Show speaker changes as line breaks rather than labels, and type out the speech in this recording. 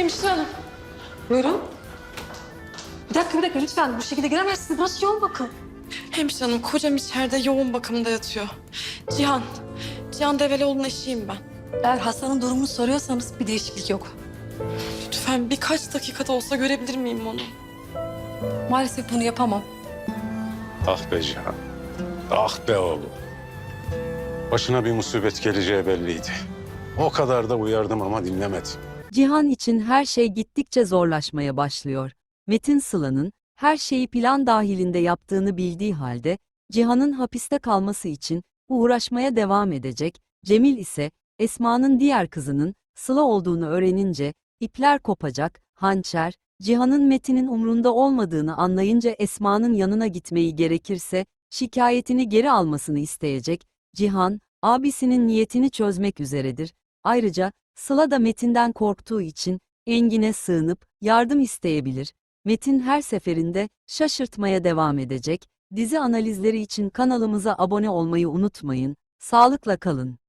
Hemşire hanım. Buyurun. Bir dakika lütfen. Bu şekilde giremezsiniz. Burası yoğun bakım.
Hemşire hanım, kocam içeride yoğun bakımda yatıyor. Cihan Develioğlu'nun eşiyim ben.
Eğer hastanın durumunu soruyorsanız bir değişiklik yok.
Lütfen birkaç dakikada olsa görebilir miyim onu?
Maalesef bunu yapamam.
Ah be Cihan. Ah be oğlum. Başına bir musibet geleceği belliydi. O kadar da uyardım ama dinlemedi.
Cihan için her şey gittikçe zorlaşmaya başlıyor. Metin Sıla'nın her şeyi plan dahilinde yaptığını bildiği halde Cihan'ın hapiste kalması için uğraşmaya devam edecek. Cemil ise Esma'nın diğer kızının Sıla olduğunu öğrenince ipler kopacak. Hançer, Cihan'ın Metin'in umrunda olmadığını anlayınca Esma'nın yanına gitmeyi gerekirse şikayetini geri almasını isteyecek. Cihan, abisinin niyetini çözmek üzeredir. Ayrıca Sıla da Metin'den korktuğu için Engin'e sığınıp yardım isteyebilir. Metin her seferinde şaşırtmaya devam edecek. Dizi analizleri için kanalımıza abone olmayı unutmayın. Sağlıkla kalın.